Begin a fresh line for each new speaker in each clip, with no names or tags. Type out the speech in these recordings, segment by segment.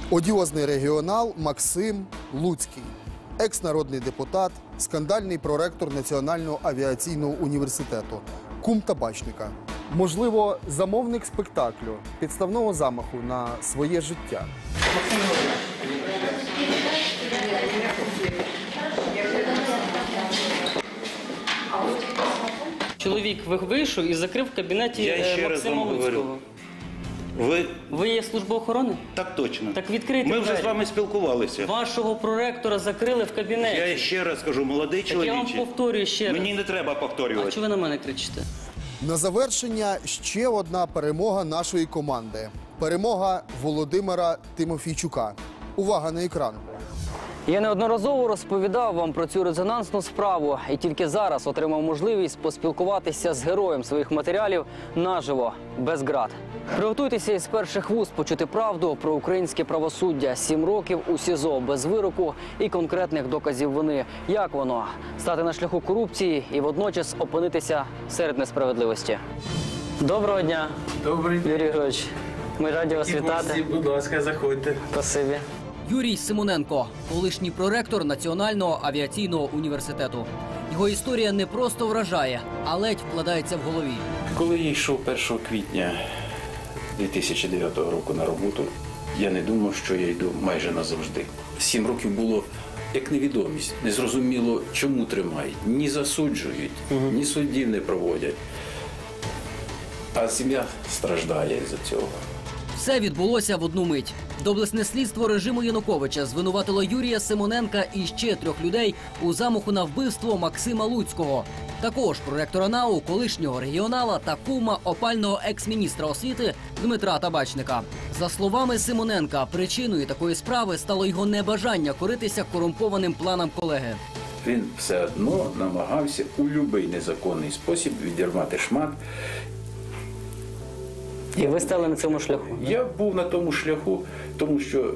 Одіозний регіонал Максим Луцький, екс-народний депутат, скандальний проректор Національного авіаційного університету, кум табачника. Можливо, замовник спектаклю, підставного замаху на своє життя.
Чоловік вийшов і закрив в кабінеті Максима Луцького. Ви є служба охорони?
Так точно.
Так відкрийте
Ми вже
двері.
з вами спілкувалися.
Вашого проректора закрили в кабінеті.
Я ще раз кажу, молодий чоловіче.
Я вам повторюю ще раз.
Мені не треба повторювати.
А чого ви на мене кричите?
На завершення ще одна перемога нашої команди. Перемога Володимира Тимофійчука. Увага на екран.
Я неодноразово розповідав вам про цю резонансну справу і тільки зараз отримав можливість поспілкуватися з героєм своїх матеріалів наживо, без ґрат. Приготуйтеся із перших вуст почути правду про українське правосуддя. 7 років у СІЗО без вироку і конкретних доказів вини. Як воно? Стати на шляху корупції і водночас опинитися серед несправедливості. Доброго дня,
Добрий день.
Юрій Григорович. Ми раді вас вітати.
Будь ласка, заходьте.
Спасибі.
Юрій Симоненко – колишній проректор Національного авіаційного університету. Його історія не просто вражає, а ледь вкладається в голові.
Коли я йшов 1 квітня 2009 року на роботу, я не думав, що я йду майже назавжди. 7 років було як невідомість. Незрозуміло, чому тримають. Ні засуджують, ні суддів не проводять. А сім'я страждає з-за цього.
Все відбулося в одну мить. Доблесне слідство режиму Януковича звинуватило Юрія Симоненка і ще 3 людей у замаху на вбивство Максима Луцького. Також проректора НАУ, колишнього регіонала та кума опального екс-міністра освіти Дмитра Табачника. За словами Симоненка, причиною такої справи стало його небажання коритися корумпованим планам колеги.
Він все одно намагався у будь-який незаконний спосіб відірвати шмат.
І ви стали на цьому шляху?
Я був на тому шляху, тому що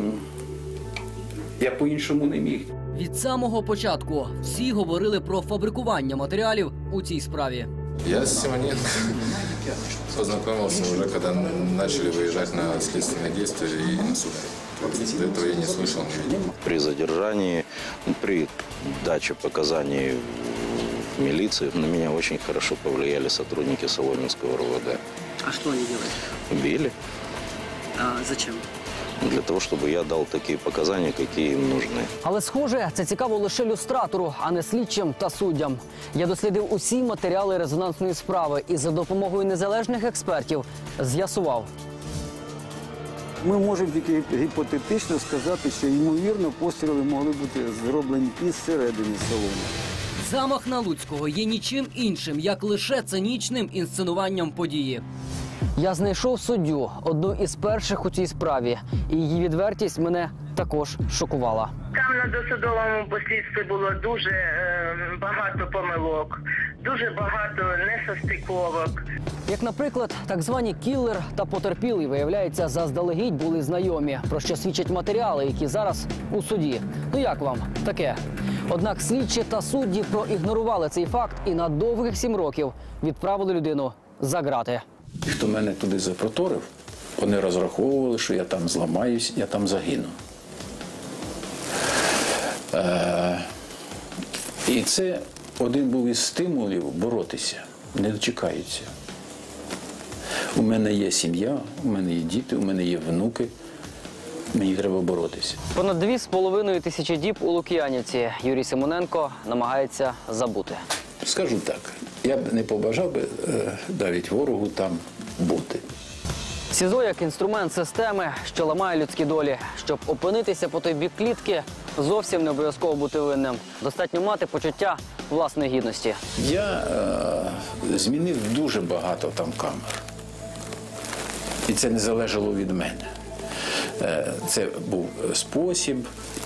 я по-іншому не міг.
Від самого початку всі говорили про фабрикування матеріалів у цій справі.
Я с Симоненко познакомился уже, когда начали выезжать на следственные действия и на суд. До этого я не слышал, не видел.
При задержании, при даче показаний в милиции на меня очень хорошо повлияли сотрудники Соломенского РУВД.
А що вони роблять?
Били
А зачем?
для того, чтобы я дал такие показания, какие им нужны.
Але, схоже, це цікаво лише люстратору, а не слідчим та суддям. Я дослідив усі матеріали резонансної справи і за допомогою незалежних експертів з'ясував.
Ми можемо тільки гіпотетично сказати, що, ймовірно, постріли могли бути зроблені із середини салону.
Замах на Луцького є нічим іншим, як лише цинічним інсценуванням події.
Я знайшов суддю, одну із перших у цій справі, і її відвертість мене також шокувала.
Там на досудовому послідстві було дуже багато помилок, дуже багато несостиковок.
Як, наприклад, так звані кілер та потерпілий, виявляється, заздалегідь були знайомі, про що свідчать матеріали, які зараз у суді. Ну як вам таке? Однак слідчі та судді проігнорували цей факт і на довгих 7 років відправили людину за ґрати.
І хто мене туди запроторив, вони розраховували, що я там зламаюсь, я там загину. І це один був із стимулів боротися. Не дочекаються. У мене є сім'я, у мене є діти, у мене є внуки. Мені треба боротися.
Понад 2,5 тисячі діб у Лук'янівці Юрій Симоненко намагається забути.
Скажу так, я б не побажав би навіть ворогу там бути.
СІЗО як інструмент системи, що ламає людські долі. Щоб опинитися по той бік клітки, зовсім не обов'язково бути винним. Достатньо мати почуття власної гідності.
Я змінив дуже багато там камер. І це не залежало від мене. Це був спосіб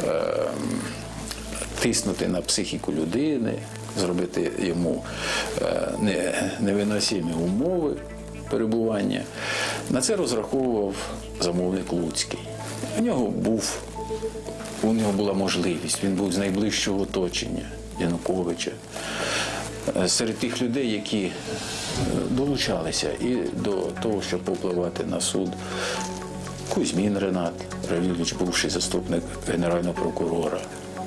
тиснути на психіку людини, зробити йому невиносимі умови перебування. На це розраховував замовник Луцький. У нього була можливість, він був з найближчого оточення Януковича. Серед тих людей, які долучалися і до того, щоб попливати на суд, Кузьмін Ренат Равілович, бувший заступник генерального прокурора.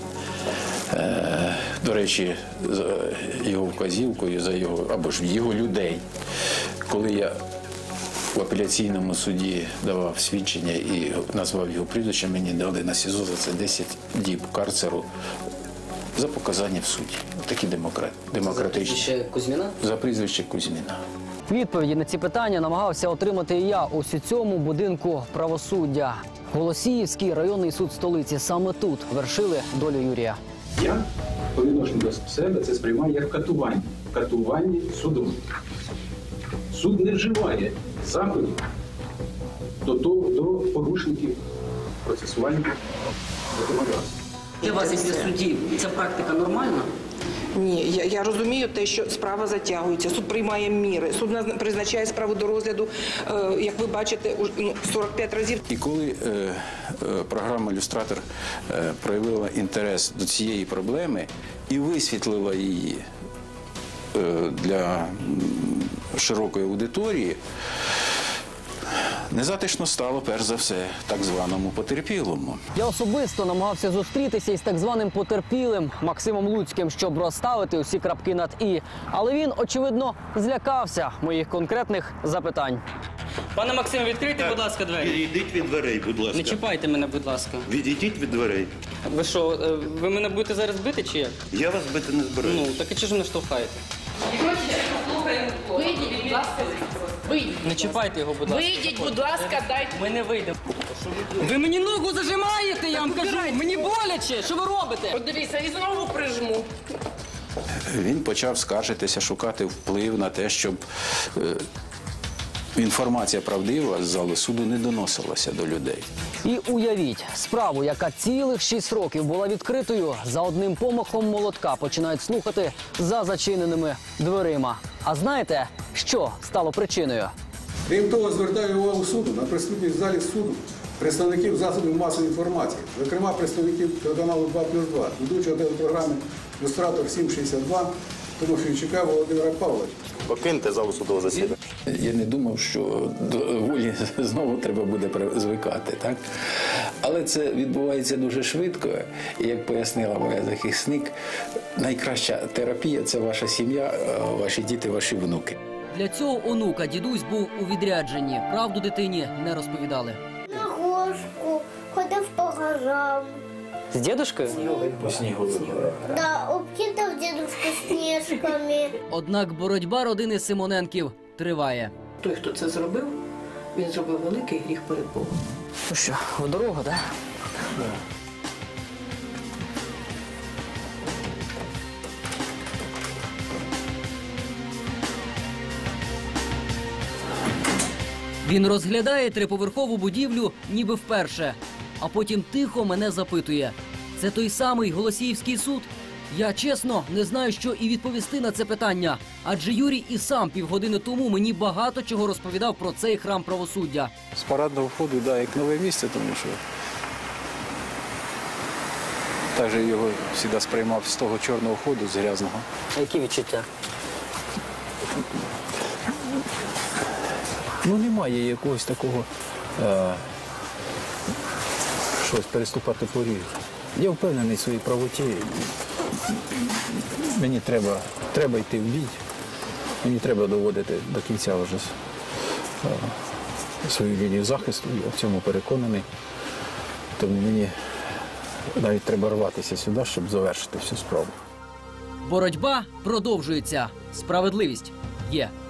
До речі, за його вказівкою, або ж його людей, коли я в апеляційному суді давав свідчення і назвав його прізвище, мені дали на СІЗО за це 10 діб карцеру за показання в суді. Такі демократичні.
Кузьміна?
За прізвище Кузьміна.
Відповіді на ці питання намагався отримати і я у цьому будинку правосуддя. Голосіївський районний суд столиці. Саме тут вершили долю Юрія.
Я по відношенню до себе це сприймаю як катування. Катування судом. Суд не вживає заходів до порушників процесуальних законодавств.
Для вас, як для судді, ця практика нормальна?
Ні, я розумію те, що справа затягується, суд приймає міри, суд призначає справу до розгляду, як ви бачите, 45 разів.
І коли програма «Люстратор» проявила інтерес до цієї проблеми і висвітлила її для широкої аудиторії, незатишно стало, перш за все, так званому потерпілому.
Я особисто намагався зустрітися із так званим потерпілим Максимом Луцьким, щоб розставити усі крапки над «і». Але він, очевидно, злякався моїх конкретних запитань.
Пане Максиме, відкрийте, будь ласка, двері.
Відійдіть від дверей, будь ласка.
Не чіпайте мене, будь ласка.
Відійдіть від дверей.
Ви що, ви мене будете зараз бити чи як?
Я вас бити не збираюся.
Ну, так і чи ж мене штовхаєте?
Вийдіть, будь ласка. Вийдіть.
Не чіпайте його, будь ласка.
Вийдіть, будь ласка, дайте.
Ми не вийдемо. Ви мені ногу зажимаєте, я вам кажу. Мені боляче. Що ви робите?
От дивіться, і знову прижму.
Він почав скаржитися, шукати вплив на те, щоб інформація правдива з зали суду не доносилася до людей.
І уявіть, справу, яка цілих 6 років була відкритою, за одним помахом молотка починають слухати за зачиненими дверима. А знаєте, що стало причиною?
Крім того, звертаю увагу суду на присутність в залі суду представників засобів масової інформації, зокрема представників телеканалу 2+2, ведучого телепрограми «Люстратор 762» Тимофійчука Володимира Павловича.
Покиньте залу судового засідання.
Я не думав, що до волі знову треба буде звикати, так? Але це відбувається дуже швидко. І, як пояснила моя захисник, найкраща терапія – це ваша сім'я, ваші діти, ваші внуки.
Для цього онука дідусь був у відрядженні. Правду дитині не розповідали.
На горшку, ходив по горам.
З дідушкою?
По снігу.
Да, обкидав дідушку сніжками.
Однак боротьба родини Симоненків триває.
Той, хто це зробив, він зробив великий гріх перед Богом.
Ну що, в дорогу, так?
Він розглядає триповерхову будівлю ніби вперше, а потім тихо мене запитує. Це той самий Голосіївський суд? Я, чесно, не знаю, що і відповісти на це питання. Адже Юрій і сам півгодини тому мені багато чого розповідав про цей храм правосуддя.
З парадного входу, да, як нове місце, тому що також його завжди сприймав з того чорного ходу, з грязного.
Які відчуття?
Ну, немає якогось такого щось переступати поріг. Я впевнений в своїй правоті. Мені треба йти в бій. Мені треба доводити до кінця вже свою лінію захисту. Я в цьому переконаний. Тому мені навіть треба рватися сюди, щоб завершити всю справу.
Боротьба продовжується. Справедливість є.